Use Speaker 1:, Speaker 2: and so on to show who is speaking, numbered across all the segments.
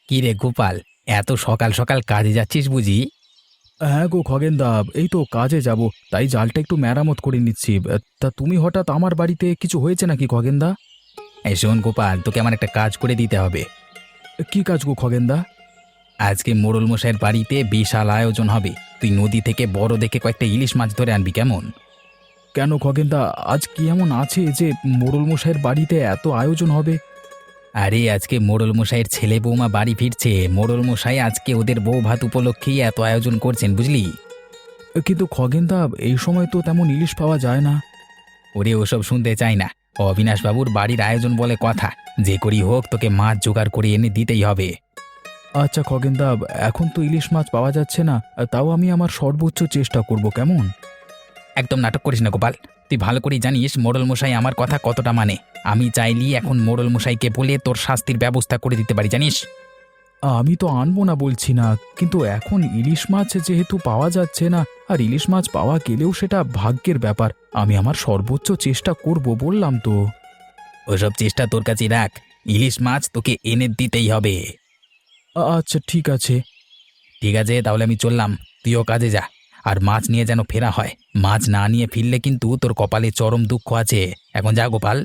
Speaker 1: কি রে গোপাল, এত সকাল সকাল কাজে যাচ্ছিস বুঝি?
Speaker 2: হ্যাঁ গো খগেনদা, এই তো কাজে যাব, তাই জালটা একটু মেরামত করে নিচ্ছি। তা তুমি হঠাৎ আমার বাড়িতে, কিছু হয়েছে নাকি খগেনদা?
Speaker 1: এই শোন গোপাল, তোকে আমার একটা কাজ করে দিতে হবে।
Speaker 2: কি কাজ গো খগেনদা?
Speaker 1: আজকে মোড়ল মশাইয়ের বাড়িতে বিশাল আয়োজন হবে। তুই নদী থেকে বড় দেখে কয়েকটা ইলিশ মাছ ধরে আনবি, কেমন?
Speaker 2: কেন খগেনদা, আজ কি এমন আছে যে মোড়ল মশাইয়ের বাড়িতে এত আয়োজন হবে?
Speaker 1: আরে আজকে মোড়ল মশাইয়ের ছেলে বৌমা বাড়ি ফিরছে। মোড়ল মশাই আজকে ওদের বউ ভাত উপলক্ষেই এত আয়োজন করছেন, বুঝলি?
Speaker 2: কিন্তু খগেনদা, এই সময় তো তেমন ইলিশ পাওয়া যায় না।
Speaker 1: ওরে ওসব শুনতে চাই না। অবিনাশবাবুর বাড়ির আয়োজন বলে কথা, যে করি হোক তোকে মাছ জোগাড় করে এনে দিতেই হবে।
Speaker 2: আচ্ছা খগেনদা, এখন তো ইলিশ মাছ পাওয়া যাচ্ছে না, তাও আমি আমার সর্বোচ্চ চেষ্টা করব, কেমন?
Speaker 1: একদম নাটক করিস না গোপাল। তুই ভালো করেই জানিস মোড়ল মশাই আমার কথা কতটা মানে। আমি চাইলি এখন মোড়ল মশাইকে বলে তোর শাস্তির ব্যবস্থা করে দিতে পারি, জানিস?
Speaker 2: আমি তো আনবো না বলছি না, কিন্তু এখন ইলিশ মাছ যেহেতু পাওয়া যাচ্ছে না, আর ইলিশ মাছ পাওয়া গেলেও সেটা ভাগ্যের ব্যাপার। আমি আমার সর্বোচ্চ চেষ্টা করব, বললাম তো।
Speaker 1: ওসব চেষ্টা তোর কাছে রাখ। ইলিশ মাছ তোকে এনে দিতেই হবে।
Speaker 2: আচ্ছা ঠিক আছে।
Speaker 1: ঠিক আছে, তাহলে আমি চললাম। তুইও কাজে যা। আর মাছ নিয়ে যেন ফেরা হয়। মাছ না নিয়ে ফিরলে কিন্তু তোর কপালে চরম দুঃখ আছে। এখন যা গোপাল।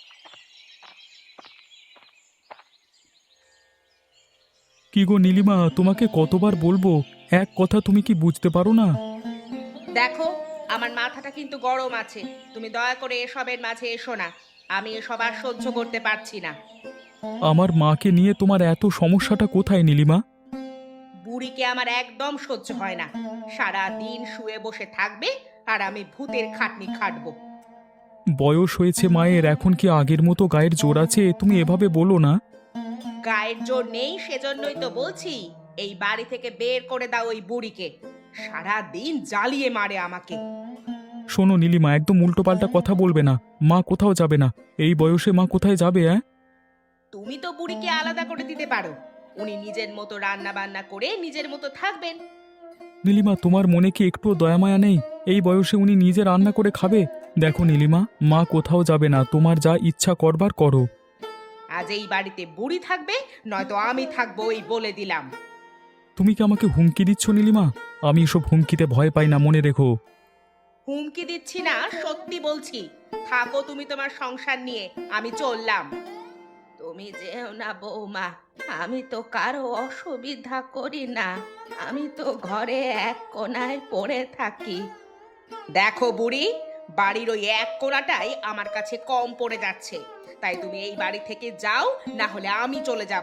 Speaker 2: কি গো নীলিমা, তোমাকে কতবার বলবো, এক কথা তুমি কি বুঝতে পারো না?
Speaker 3: দেখো, আমার মাথাটা কিন্তু গরম আছে। তুমি দয়া করে এসবের মাঝে এসো না। আমি এসব আর সহ্য করতে পারছি না।
Speaker 2: আমার মাকে নিয়ে তোমার এত সমস্যাটা কোথায় নীলিমা?
Speaker 3: বুড়িকে আমার একদম সহ্য হয় না। সারা দিন শুয়ে বসে থাকবে আর আমি ভূতের খাটনি খাটবো।
Speaker 2: বয়স হয়েছে মায়ের, এখন কি আগের মতো গায়ের জোর আছে? তুমি এভাবে বলো না।
Speaker 3: গায়ের জোর নেই সেজন্যই তো বলছি, এই বাড়ি থেকে বের করে দাও ওই বুড়িকে। সারা দিন জ্বালিয়ে মারে আমাকে।
Speaker 2: শোনো নীলিমা, একদম উল্টোপাল্টা কথা বলবে না। মা কোথাও যাবে না। এই বয়সে মা কোথায় যাবে?
Speaker 3: তুমি তো বুড়িকে আলাদা করে দিতে পারো। উনি নিজের মতো রান্না বান্না করে নিজের মতো থাকবেন।
Speaker 2: নীলিমা, তোমার মনে কি একটু দয়ামায়া নেই? এই বয়সে উনি নিজে রান্না করে খাবে? দেখো নীলিমা, মা কোথাও যাবে না, তোমার যা ইচ্ছা করবার করো।
Speaker 3: আজ এই বাড়িতে বুড়ি থাকবে, নয়তো আমি থাকবো, ওই বলে দিলাম।
Speaker 2: তুমি কি আমাকে হুমকি দিচ্ছ নীলিমা? আমি এসব হুমকিতে ভয় পাই না, মনে রেখো।
Speaker 3: হুমকি দিচ্ছি না, সত্যি বলছি। থাকো তুমি তোমার সংসার নিয়ে, আমি চললাম। তুমি যেও না বৌমা, আমি তো কারো অসুবিধা করি না। আমি তো ঘরে এক কোণায় পড়ে থাকি। দেখো বুড়ি, বাড়ির ওই এক কোণাটাই আমার কাছে কম পড়ে যাচ্ছে। তাই তুমি এই বাড়ি থেকে যাও, না হলে আমি চলে যাব।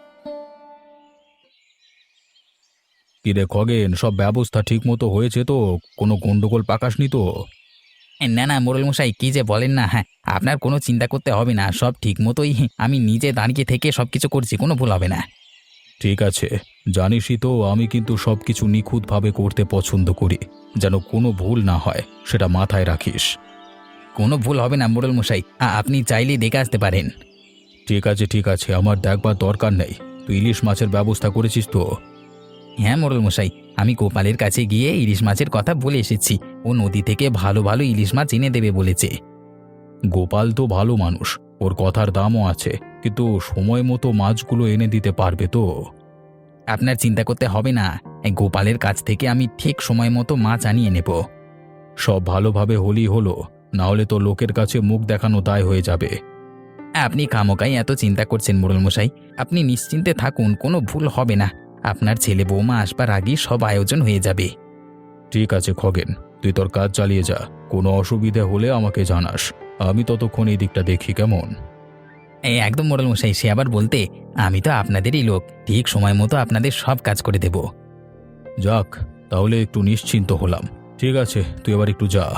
Speaker 2: কিরে খগেন, সব ব্যবস্থা ঠিক মতো হয়েছে তো? কোনো গন্ডগোল পাকাসনি তো?
Speaker 1: না না মোড়ল মশাই, কি যে বলেন না। হ্যাঁ, আপনার কোনো চিন্তা করতে হবে না, সব ঠিক মতোই আমি নিজে দাঁড়িয়ে থেকে সবকিছু করছি, কোনো ভুল হবে না।
Speaker 2: ঠিক আছে, জানিসই তো আমি কিন্তু সবকিছু নিখুঁতভাবে করতে পছন্দ করি, যেন কোনো ভুল না হয়, সেটা মাথায় রাখিস।
Speaker 1: কোনো ভুল হবে না মোড়ল মশাই, আপনি চাইলেই দেখে আসতে পারেন।
Speaker 2: ঠিক আছে ঠিক আছে, আমার দেখবার দরকার নেই। তুই ইলিশ মাছের ব্যবস্থা করেছিস তো?
Speaker 1: হ্যাঁ মোড়ল মশাই, আমি গোপালের কাছে গিয়ে ইলিশ মাছের কথা বলে এসেছি। ও নদী থেকে ভালো ভালো ইলিশ মাছ এনে দেবে বলেছে।
Speaker 2: গোপাল তো ভালো মানুষ, ওর কথার দামও আছে, কিন্তু সময় মতো মাছগুলো এনে দিতে পারবে তো?
Speaker 1: আপনার চিন্তা করতে হবে না, এই গোপালের কাছ থেকে আমি ঠিক সময় মতো মাছ আনিয়ে নেব।
Speaker 2: সব ভালোভাবে হলেই হলো, না হলে তো লোকের কাছে মুখ দেখানো দায় হয়ে যাবে।
Speaker 1: আপনি খামোকাই এত চিন্তা করছেন মোড়ল মশাই। আপনি নিশ্চিন্তে থাকুন, কোনো ভুল হবে না। আপনার ছেলে বৌমা আসবার আগেই সব আয়োজন হয়ে যাবে।
Speaker 2: ঠিক আছে খগেন, তুই তোর কাজ চালিয়ে যা। কোনো অসুবিধা হলে আমাকে জানাস, আমি ততক্ষণ এই দিকটা দেখি, কেমন?
Speaker 1: এই একদম মোড়ল মশাই, সে আবার বলতে, আমি তো আপনাদেরই লোক, ঠিক সময় মতো আপনাদের সব কাজ করে দেব।
Speaker 2: যাক, তাহলে একটু নিশ্চিন্ত হলাম। ঠিক আছে, তুই এবার একটু যা।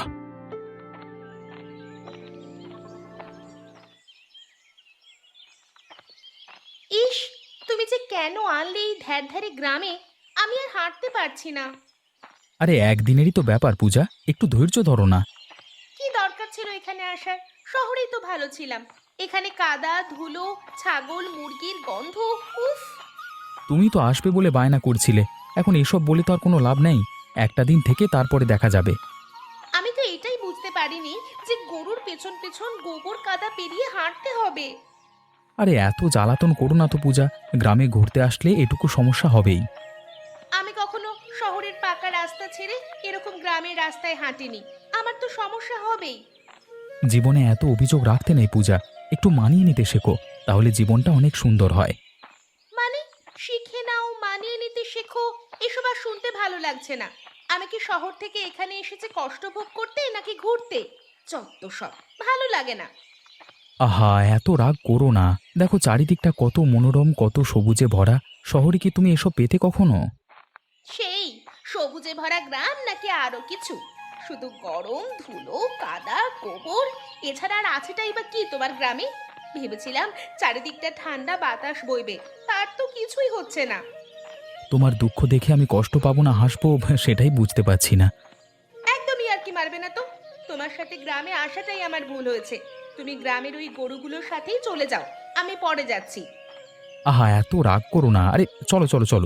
Speaker 3: ইস, তুমি যে কেন আনলে এই ধ্যার ধ্যারে গ্রামে? আমি আর হাঁটতে পারছি না।
Speaker 2: আরে একদিনেরই তো ব্যাপার পূজা, একটু ধৈর্য ধরো না।
Speaker 3: কি দরকার ছিল এখানে আসার? শহরেই তো ভালো ছিলাম। এখানে কাদা ধুলো, ছাগল মুরগির গন্ধ, উফ।
Speaker 2: তুমি তো আসবে বলে বায়না করছিলে, এখন এসব বলে তো আর কোনো লাভ নেই। একটা দিন থেকে তারপরে দেখা যাবে।
Speaker 3: আমি তো এটাই বুঝতে পারিনি যে গরুর পেছন পেছন গোবর কাদা পেরিয়ে হাঁটতে হবে।
Speaker 2: আরে এত জ্বালাতন করো না তো পূজা, গ্রামে ঘুরতে আসলে এটুকু সমস্যা হবেই।
Speaker 3: আমি কখনো শহরের পাকা রাস্তা ছেড়ে এরকম গ্রামের রাস্তায় হাঁটিনি, আমার তো সমস্যা হবেই।
Speaker 2: জীবনে এত অভিযোগ রাখতে নেই পূজা, একটু মানিয়ে নিতে শেখো, তাহলে জীবনটা অনেক সুন্দর হয়।
Speaker 3: মানে শিখে নাও, মানিয়ে নিতে শেখো, এসব আর শুনতে ভালো লাগছে না। আমি কি শহর থেকে এখানে এসেছি কষ্ট ভোগ করতে নাকি ঘুরতে? চত্ব সব ভালো লাগে না।
Speaker 2: আহা, এত রাগ করো না, দেখো চারিদিকটা কত মনোরম, কত সবুজে ভরা। শহরে কি তুমি এসব পেতে কখনো?
Speaker 3: সেই সবুজে ভরা গ্রাম নাকি আরো কিছু? শুধু গরম, ধুলো, কাদা, গোবর, এছাড়া আর আছেটাই বা কি তোমার গ্রামে? ভেবেছিলাম চারিদিকটা ঠান্ডা বাতাস বইবে, তার তো কিছুই হচ্ছে না।
Speaker 2: তোমার দুঃখ দেখে আমি কষ্ট পাবো না হাসবো সেটাই বুঝতে পারছি না।
Speaker 3: একদমই আর কি মারবে না তো। তোমার সাথে গ্রামে আসাটাই আমার ভুল হয়েছে। তুমি গ্রামের ওই গরুগুলোর সাথেই চলে যাও, আমি পরে যাচ্ছি।
Speaker 2: আহা, এত রাগ করো না, আরে চলো চলো চলো।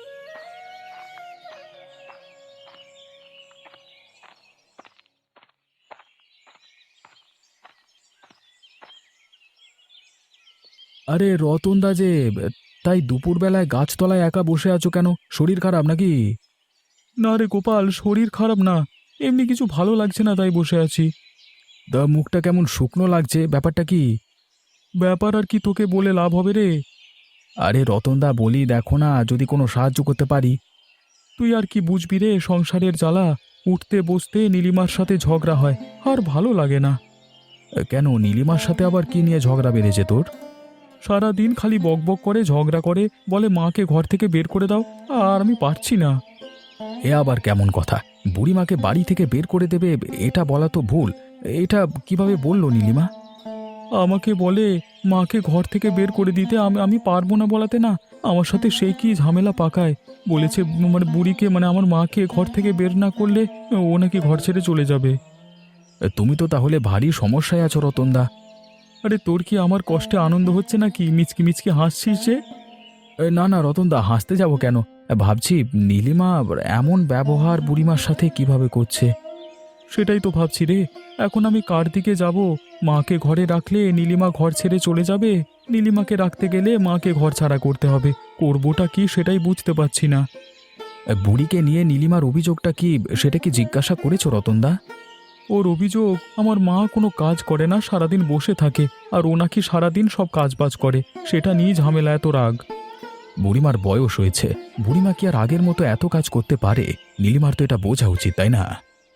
Speaker 2: আরে রতনদা যে, তাই দুপুরবেলায় গাছতলায় একা বসে আছো কেন? শরীর খারাপ নাকি? না রে গোপাল, শরীর খারাপ না, এমনি কিছু ভালো লাগছে না তাই বসে আছি। দা মুখটা কেমন শুকনো লাগছে, ব্যাপারটা কি? ব্যাপার আর কি তোকে বলে লাভ হবে রে? আরে রতনদা বলি, দেখো না যদি কোনো সাহায্য করতে পারি। তুই আর কি বুঝবি রে সংসারের জ্বালা, উঠতে বসতে নীলিমার সাথে ঝগড়া হয়, আর ভালো লাগে না। কেন, নীলিমার সাথে আবার কি নিয়ে ঝগড়া বেড়েছে তোর? সারা দিন খালি বকবক করে, ঝগড়া করে, বলে মাকে ঘর থেকে বের করে দাও, আর আমি পারছি না। এ আবার কেমন কথা? বুড়িমাকে বাড়ি থেকে বের করে দেবে, এটা বলা তো ভুল। এটা কিভাবে বললো নীলিমা? আমাকে বলে মাকে ঘর থেকে বের করে দিতে, আমি পারবো না বলাতে না। আমার সাথে সেই কি ঝামেলা পাকায়, বলেছে মানে বুড়িকে, মানে আমার মাকে ঘর থেকে বের না করলে ও নাকি ঘর ছেড়ে চলে যাবে। তুমি তো তাহলে ভারী সমস্যায় আছো রতনদা। আরে তোর কি আমার কষ্টে আনন্দ হচ্ছে নাকি? মিচকি মিচকি হাসছিস যে? না না রতনদা, হাসতে যাব কেন? ভাবছি নীলিমা এমন ব্যবহার বুড়িমার সাথে কিভাবে করছে। সেটাই তো ভাবছি রে, এখন আমি কার দিকে যাব? মাকে ঘরে রাখলে নীলিমা ঘর ছেড়ে চলে যাবে, নীলিমাকে রাখতে গেলে মাকে ঘর ছাড়া করতে হবে। করবোটা কি সেটাই বুঝতে পারছি না। বুড়িকে নিয়ে নীলিমার অভিযোগটা কি, সেটা কি জিজ্ঞাসা করেছো রতনদা? ওর অভিযোগ আমার মা কোনো কাজ করে না, সারাদিন বসে থাকে, আর ও নাকি সারাদিন সব কাজবাজ করে, সেটা নিয়ে ঝামেলা, এত রাগ। বুড়িমার বয়স হয়েছে, বুড়িমা কি আর আগের মতো এত কাজ করতে পারে? নীলিমার তো এটা বোঝা উচিত, তাই না?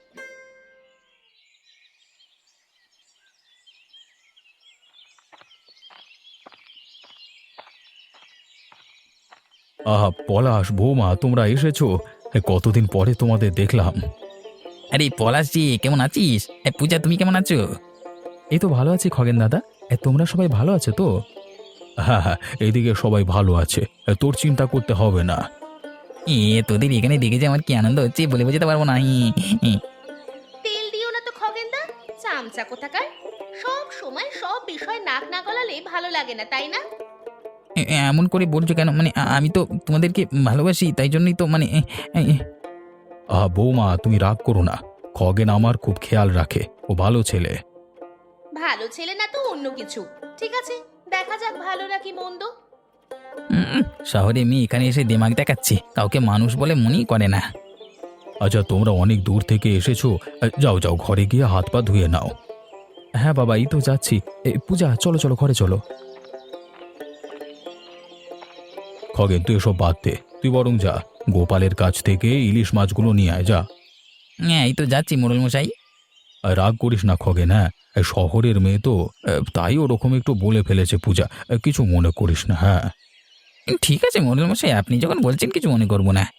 Speaker 2: আহা পলাশ, বৌমা তোমরা এসেছো, কতদিন পরে তোমাদের দেখলাম।
Speaker 1: আরে পলাশজি, কেমন আছিস? পূজা, তুমি কেমন আছো?
Speaker 2: এই তো ভালো আছি খগেন দাদা, তোমরা সবাই ভালো আছো তো? হ্যাঁ হ্যাঁ, এইদিকে সবাই ভালো আছে, তোর চিন্তা করতে হবে না।
Speaker 1: তোদের এখানে দেখে যে আমার কি আনন্দ হচ্ছে বলে বোঝাতে পারবো না।
Speaker 3: তেল দিও না তো খগেনদা, চামচা কোথাকার। সব সময় সব বিষয় নাক না গলালে ভালো লাগে না, তাই না?
Speaker 1: এমন করে বলছো কেন? মানে আমি তো তোমাদেরকে ভালোবাসি, তাই জন্যই তো মানে
Speaker 2: বৌমা তুমি রাগ করো না, খগেন আমার খুব খেয়াল রাখে, ও ভালো ছেলে।
Speaker 3: ভালো ছেলে না তো অন্য কিছু। ঠিক আছে, দেখা যাক ভালো নাকি মন্দ।
Speaker 1: শহরে মেয়ে এখানে এসে দিমাগ দেখাচ্ছে, কাউকে মানুষ বলে মনেই করে না।
Speaker 2: আচ্ছা তোমরা অনেক দূর থেকে এসেছো, যাও যাও ঘরে গিয়ে হাত পা ধুয়ে নাও। হ্যাঁ বাবা, এই তো যাচ্ছি। পূজা চলো চলো, ঘরে চলো। খগেন তুই এসব বাদ দে, তুই বরং যা, গোপালের কাছ থেকে ইলিশ মাছগুলো নিয়ে আয়, যা।
Speaker 1: হ্যাঁ, এই তো যাচ্ছি মোড়ল মশাই।
Speaker 2: আর রাগ করিস না খগেন, হ্যাঁ, শহরের মেয়ে তো, তাই ওরকম একটু বলে ফেলেছে পূজা, কিছু মনে করিস না, হ্যাঁ।
Speaker 1: ঠিক আছে মোড়ল মশাই, আপনি যখন বলছেন কিছু মনে করবো না।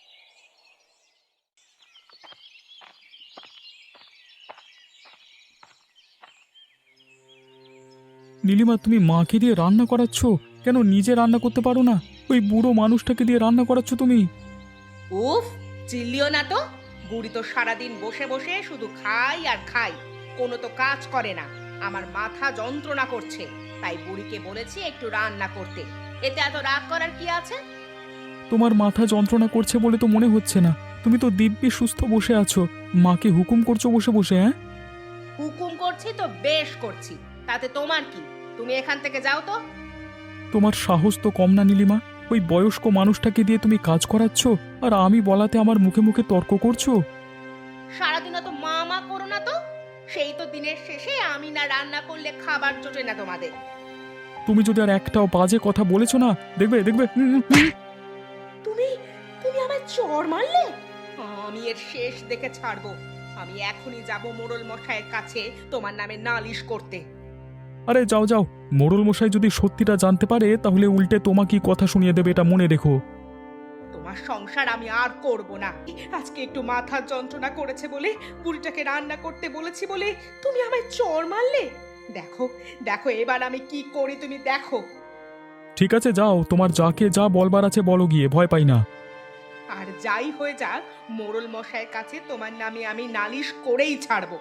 Speaker 2: নীলিমা, তুমি মাকে দিয়ে রান্না করাচ্ছ কেন? নিজে রান্না করতে পারো না? ওই বুড়ো মানুষটাকে দিয়ে রান্না করাচ্ছ তুমি?
Speaker 3: উফ, চিল্লিও না তো। বুড়ি তো সারাদিন বসে বসে শুধু খাই আর খাই, কোনো তো কাজ করে না। আমার মাথা যন্ত্রণা করছে, তাই বুড়িকে বলেছি একটু রান্না করতে। এতে এত রাগ করার কি আছে?
Speaker 2: তোমার মাথা যন্ত্রণা করছে বলে তো মনে হচ্ছে না, তুমি তো দিব্যি সুস্থ বসে আছো, মাকে হুকুম করছো বসে বসে। হ্যাঁ,
Speaker 3: হুকুম করছি তো বেশ করছি, তাতে তোমার কি? তুমি এখান থেকে যাও তো।
Speaker 2: তোমার সাহস তো কম না নীলিমা। ওই বয়স্ক মানুষটাকে দিয়ে তুমি কাজ করাচ্ছ, আর আমি বলাতে আমার মুখে মুখে তর্ক করছো।
Speaker 3: সারাদিন তো মা মা করো না তো, সেই তো দিনের শেষে আমি না রান্না করলে খাবার জোটে না তোমাদের।
Speaker 2: তুমি যদি আর একটাও বাজে কথা বলেছো না, দেখবে দেখবে
Speaker 3: তুমি তুমি আমায় চড় মারলে, আমি এর শেষ দেখে ছাড়বো। আমি এখনই যাব মোড়ল মশাইয়ের কাছে তোমার নামে নালিশ করতে।
Speaker 2: আরে যাও যাও, মোড়ল মশাই যদি সত্যিটা জানতে পারে তাহলে উল্টে তোমাকেই কথা শুনিয়ে দেবে, এটা মনে রেখো।
Speaker 3: তোমার সংসার আমি আর করব না। আজকে একটু মাথার যন্ত্রণা করেছে বলে, বুড়িটাকে রান্না করতে বলেছি বলে তুমি আমায় চড় মারলে। দেখো দেখো এবার আমি কি করি তুমি দেখো।
Speaker 2: ঠিক আছে যাও, তোমার যাকে যা বলবার আছে বলো গিয়ে, ভয় পাই না।
Speaker 3: আর যাই হয়ে যাক, মোড়ল মশাইয়ের কাছে তোমার নামে আমি নালিশ করেই ছাড়বো।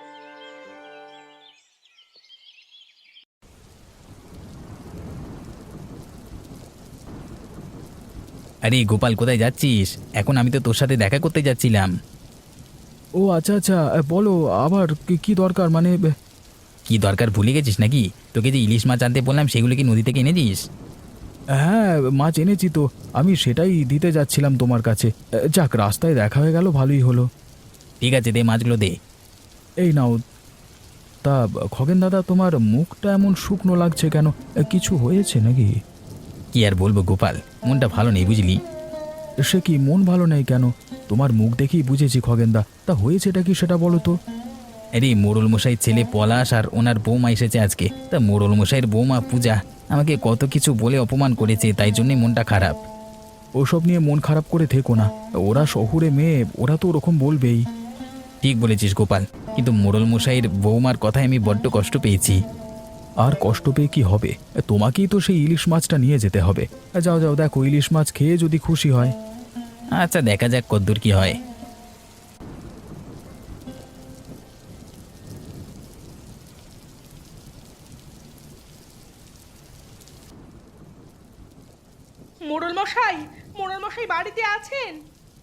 Speaker 1: আরে গোপাল, কোথায় যাচ্ছিস? এখন আমি তো তোর সাথে দেখা করতে যাচ্ছিলাম।
Speaker 2: ও আচ্ছা আচ্ছা, বলো আবার কি দরকার, মানে
Speaker 1: কি দরকার ভুলে গেছিস নাকি? তোকে যে ইলিশ মাছ আনতে বললাম সেগুলো কি নদী থেকে এনেছিস?
Speaker 2: হ্যাঁ মাছ এনেছি তো, আমি সেটাই দিতে যাচ্ছিলাম তোমার কাছে। যাক, রাস্তায় দেখা হয়ে গেল, ভালোই হলো।
Speaker 1: ঠিক আছে, দে মাছগুলো দে।
Speaker 2: এই নাও। তা খগেন দাদা, তোমার মুখটা এমন শুকনো লাগছে কেন? কিছু হয়েছে নাকি?
Speaker 1: কি আর বলবো গোপাল, মনটা ভালো নেই বুঝলি।
Speaker 2: সে কি, মন ভালো নেই কেন? তোমার মুখ দেখেই বুঝেছি খগেনদা। তা হয়েছেটা কি সেটা বলো তো।
Speaker 1: আরে মোড়ল মশাই ছেলে পলাশ আর ওনার বৌমা এসেছে আজকে। তা মোড়ল মশাইয়ের বৌমা পূজা আমাকে কত কিছু বলে অপমান করেছে, তাই জন্যই মনটা খারাপ।
Speaker 2: ওসব নিয়ে মন খারাপ করে থেকো না, ওরা শহুরে মেয়ে, ওরা তো ওরকম বলবেই।
Speaker 1: ঠিক বলেছিস গোপাল, কিন্তু মোড়ল মশাইয়ের বৌমার কথায় আমি বড্ড কষ্ট পেয়েছি।
Speaker 2: আর কষ্ট পেয়ে কি হবে? তোমাকেই তো সেই ইলিশ মাছটা নিয়ে যেতে হবে। যাও যাও, দেখো ইলিশ মাছ খেয়ে যদি খুশি হয়।
Speaker 1: আচ্ছা দেখা যাক কদ্দূর কি হয়।
Speaker 3: মোড়ল মশাই বাড়িতে আছেন?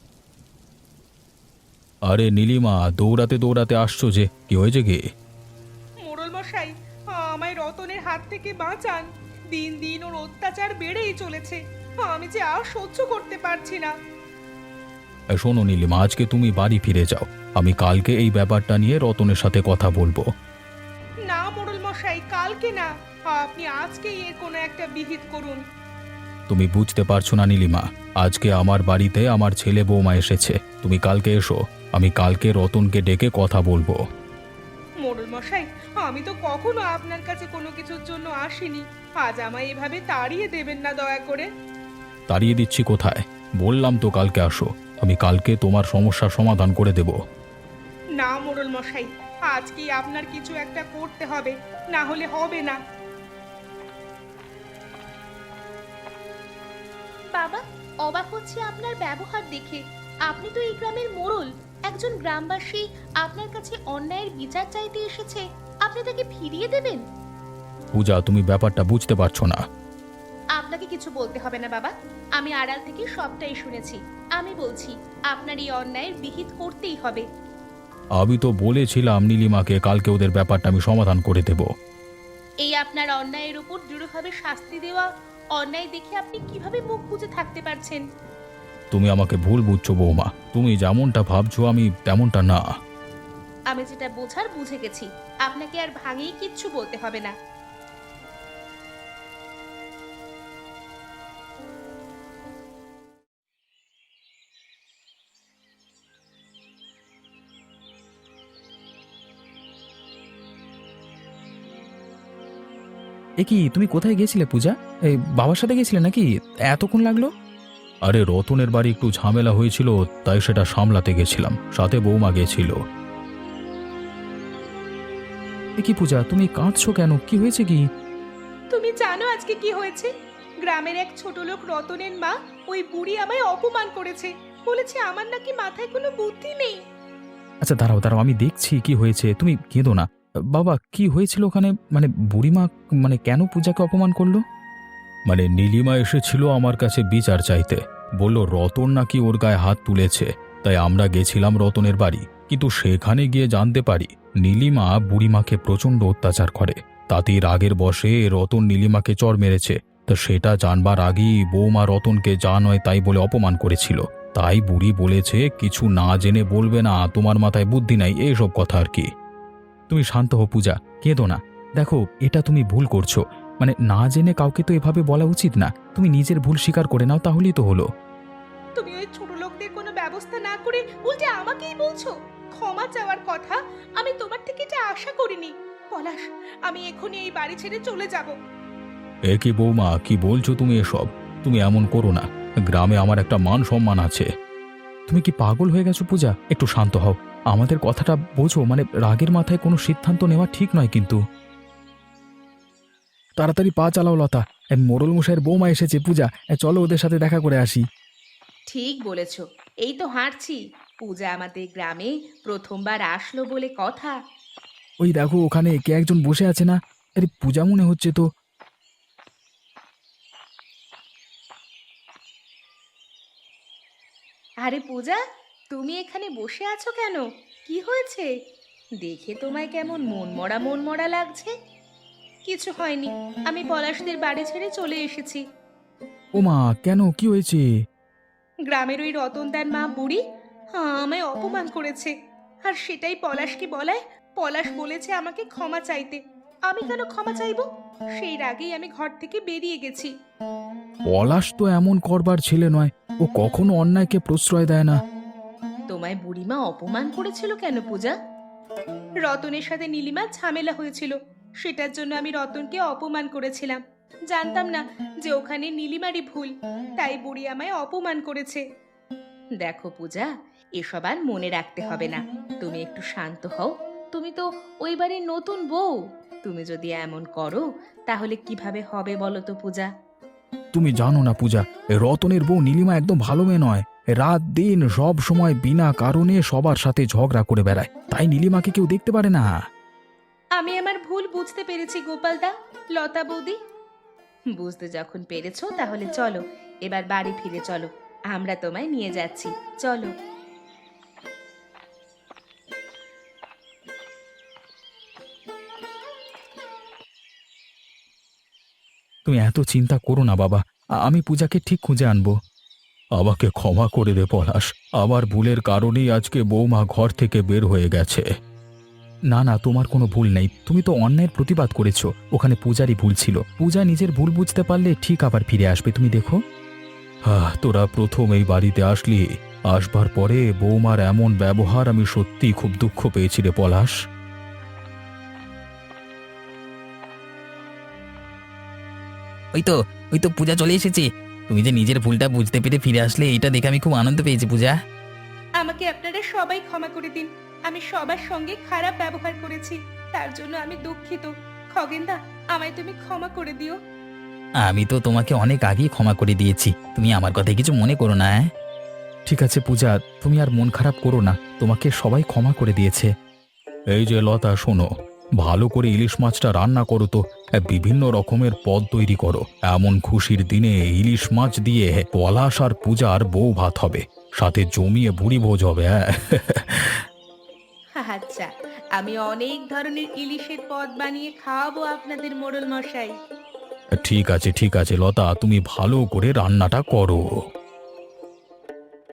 Speaker 2: আরে নীলিমা, দৌড়াতে দৌড়াতে আসছো যে, কি হয়েছে কি?
Speaker 3: মোড়ল মশাই, আমায় রতনের হাত থেকে বাঁচান। দিন দিন ওর অত্যাচার বেড়েই চলেছে, আমি যে আর সহ্য করতে পারছি না।
Speaker 2: শোনো নীলিমা, আজকে তুমি বাড়ি ফিরে যাও, আমি কালকে এই ব্যাপারটা নিয়ে রতনের সাথে কথা বলবো।
Speaker 3: না মোড়ল মশাই, কালকে না, আপনি আজকেই এর কোনো একটা বিহিত করুন।
Speaker 2: তুমি বুঝতে পারছো না নীলিমা, আজকে আমার বাড়িতে আমার ছেলে বৌমা এসেছে, তুমি কালকে এসো, আমি কালকে রতনকে ডেকে কথা বলবো।
Speaker 3: মোড়ল মশাই, আমি তো কখনো আপনার কাছে কোনো কিছুর জন্য আসিনি, আজ আমায় এভাবে তাড়িয়ে দেবেন না দয়া করে।
Speaker 2: তাড়িয়ে দিচ্ছি কোথায়? বললাম তো কালকে আসো, আমি কালকে তোমার সমস্যার সমাধান করে দেব।
Speaker 3: না মোড়ল মশাই, আজকেই আপনার কিছু একটা করতে হবে, না হলে হবে না।
Speaker 4: বাবা, অবাক হচ্ছে আপনার ব্যবহার দেখে। আপনি তো এই গ্রামের মোড়ল, একজন গ্রামবাসী আপনার কাছে অন্যায়ের বিচার চাইতে এসেছে, আপনি তাকে ফিরিয়ে দেবেন?
Speaker 2: পূজা, তুমি ব্যাপারটা বুঝতে পারছো না।
Speaker 4: আপনাকে কিছু বলতে হবে না বাবা, আমি আড়াল থেকে সবটাই শুনেছি। আমি বলছি, আপনার এই অন্যায়ের বিহিত করতেই হবে।
Speaker 2: আমি তো বলেছিলাম নীলিমাকে কালকে ওদের ব্যাপারটা আমি সমাধান করে দেব।
Speaker 4: এই আপনার অন্যায়ের উপর দৃঢ়ভাবে শাস্তি দেওয়া অন্যায় দেখে আপনি কিভাবে মুখ বুজে থাকতে পারছেন?
Speaker 2: তুমি আমাকে ভুল বুঝছো বৌমা, তুমি যেমনটা ভাবছো আমি তেমনটা না।
Speaker 4: আমি যেটা বোঝার বুঝে গেছি, আপনাকে আর ভাঙিয়ে কিচ্ছু বলতে হবে না।
Speaker 1: এ কি, তুমি কোথায় গেছিলে পূজা? এই বাবার সাথে গেছিলে নাকি? এতক্ষণ লাগলো?
Speaker 2: আরে রতনের বাড়ি একটু ঝামেলা হয়েছিল, তাই সেটা সামলাতে গেছিলাম, সাথে বৌমা গেছিল।
Speaker 1: এ কি পূজা, তুমি কাঁদছো কেন? কি হয়েছে কি?
Speaker 3: তুমি জানো আজকে কি হয়েছে? গ্রামের এক ছোট লোক রতনের মা, ওই বুড়ি আমায় অপমান করেছে, বলেছে আমার নাকি মাথায় কোনো বুদ্ধি নেই।
Speaker 1: আচ্ছা দাঁড়াও দাঁড়াও, আমি দেখছি কি হয়েছে, তুমি কেঁদো না। বাবা, কি হয়েছিল ওখানে? মানে বুড়িমা মানে কেন পূজাকে অপমান করলো?
Speaker 2: মানে নীলিমা এসেছিল আমার কাছে বিচার চাইতে, বলল রতন নাকি ওর গায়ে হাত তুলেছে, তাই আমরা গেছিলাম রতনের বাড়ি, কিন্তু সেখানে গিয়ে জানতে পারি নীলিমা বুড়িমাকে প্রচণ্ড অত্যাচার করে। তাতেই রাগের বশে রতন নীলিমাকে চড় মেরেছে, তো সেটা জানবার আগেই বৌমা রতনকে যা নয় তাই বলে অপমান করেছিল। তাই বুড়ি বলেছে কিছু না জেনে বলবে না, তোমার মাথায় বুদ্ধি নাই, এইসব কথা আর কি। তুমি শান্ত হও পূজা, কেঁদো না। দেখো, এটা তুমি ভুল করছো। মানে না জেনে কাউকে তো এভাবে বলা উচিত না। তুমি নিজের ভুল স্বীকার করে নাও, তাহলেই তো হলো।
Speaker 3: তুমি ওই ছোট লোকদের কোনো ব্যবস্থা না করে উল্টে আমাকেই বলছো ক্ষমা চাওয়ার কথা। আমি তোমার থেকে এটা আশা করিনি। পলাশ, আমি এখনই এই বাড়ি ছেড়ে চলে যাব।
Speaker 2: এ কি বৌমা, কি বলছো তুমি এসব? তুমি এমন করো না, গ্রামে আমার একটা মান সম্মান আছে। তুমি কি পাগল হয়ে গেছো পূজা? একটু শান্ত হও, আমাদের কথাটা বোঝো। মানে রাগের মাথায় কোনো সিদ্ধান্ত নেওয়া ঠিক নয় কিন্তু। তাড়াতাড়ি পা চালাও লতা, মোড়ল মশাইয়ের বৌমা এসেছে। পূজা, চলো ওদের সাথে দেখা করে আসি।
Speaker 3: ঠিক বলেছো, এই তো হাঁটছি। পূজা আমাদের গ্রামে প্রথমবার আসলো বলে কথা।
Speaker 2: ওই দেখো, ওখানে কে একজন বসে আছে না? আরে পূজা মনে হচ্ছে তো।
Speaker 3: আরে পূজা, তুমি এখানে বসে আছো কেন? কি হয়েছে? দেখে তোমায় কেমন মন মরা লাগছে। কিছু হয়নি, আমি পলাশদের বাড়ি ছেড়ে চলে এসেছি।
Speaker 2: ওমা, কেন, কি হয়েছে?
Speaker 3: গ্রামের ওই রতনদার মা বুড়ি আমায় অপমান করেছে। আর সেটাই পলাশকে বলায় পলাশ বলেছে আমাকে ক্ষমা চাইতে। আমি কেন ক্ষমা চাইবো? সেই রাগেই আমি ঘর থেকে বেরিয়ে গেছি।
Speaker 2: পলাশ তো এমন করবার ছেলে নয়, ও কখনো অন্যায়কে প্রশ্রয় দেয় না।
Speaker 3: তোমায় বুড়িমা অপমান করেছিল কেন পূজা? রতনের সাথে নীলিমার ঝামেলা হয়েছিল, সেটার জন্য আমি রতনকে অপমান করেছিলাম। জানতাম না যে ওখানে নীলিমারই ভুল, তাই বুড়ি আমায় অপমান করেছে। দেখো পূজা, এসব আর মনে রাখতে হবে না। তুমি একটু শান্ত হও। তুমি তো ওই বাড়ির নতুন বউ। তুমি যদি এমন করো তাহলে কিভাবে হবে বলো তো পূজা?
Speaker 2: তুমি জানো না পূজা, এ রতনের বউ নীলিমা একদম ভালো মেয়ে নয়। রাত দিন সব সময় বিনা কারণে সবার সাথে ঝগড়া করে বেড়ায়, তাই নীলিমাকে কেউ দেখতে পারে না।
Speaker 3: আমি আমার ভুল বুঝতে পেরেছি গোপালদা, লতা বৌদি। বুঝতে যখন পেরেছো তাহলে চলো এবার বাড়ি ফিরে চলো। আমরা তোমায় নিয়ে যাচ্ছি, চলো।
Speaker 2: তুমি এত চিন্তা করো না বাবা, আমি পূজাকে ঠিক খুঁজে আনবো। আমাকে ক্ষমা করে দে পলাশ, আমার ভুলের কারণেই আজকে বৌমা ঘর থেকে বের হয়ে গেছে। না না, তোমার কোনো ভুল নেই। তুমি তো অন্যায়ের প্রতিবাদ করেছো, ওখানে পূজারই ভুল ছিল। পূজা নিজের ভুল বুঝতে পারলে ঠিক আবার ফিরে আসবে, তুমি দেখো। তোরা প্রথম এই বাড়িতে আসলি, আসবার পরে বৌমার এমন ব্যবহার আমি সত্যিই খুব দুঃখ পেয়েছি রে পলাশ।
Speaker 1: ওই তো, ওই তো পূজা চলে এসেছে। তুমি যে নিজের ভুলটা বুঝতে পেরে ফিরে আসলে, এটা দেখে আমি খুব আনন্দ পেয়েছি পূজা।
Speaker 3: আমাকে আপনারা সবাই ক্ষমা করে দিন। আমি সবার সঙ্গে খারাপ ব্যবহার করেছি, তার জন্য আমি দুঃখিত। খগেনদা, আমায় তুমি ক্ষমা করে দিও।
Speaker 1: আমি তো তোমাকে অনেক আগেই ক্ষমা করে দিয়েছি, তুমি আমার কথায় কিছু মনে করো না।
Speaker 2: ঠিক আছে পূজা, তুমি আর মন খারাপ করো না, তোমাকে সবাই ক্ষমা করে দিয়েছে। এই যে লতা, শোনো, ভালো করে ইলিশ মাছটা রান্না করো তো। বিভিন্ন রকমের পদ তৈরি করো। এমন খুশির দিনে ইলিশ মাছ দিয়ে পলাশ আর পূজার বউ ভাত হবে, সাথে জমিয়ে ভুড়ি ভোজ হবে।
Speaker 3: আচ্ছা, আমি অনেক ধরনের ইলিশের পদ বানিয়ে খাওয়াবো আপনাদের মোড়ল মশাই।
Speaker 2: ঠিক আছে ঠিক আছে লতা, তুমি ভালো করে রান্নাটা করো।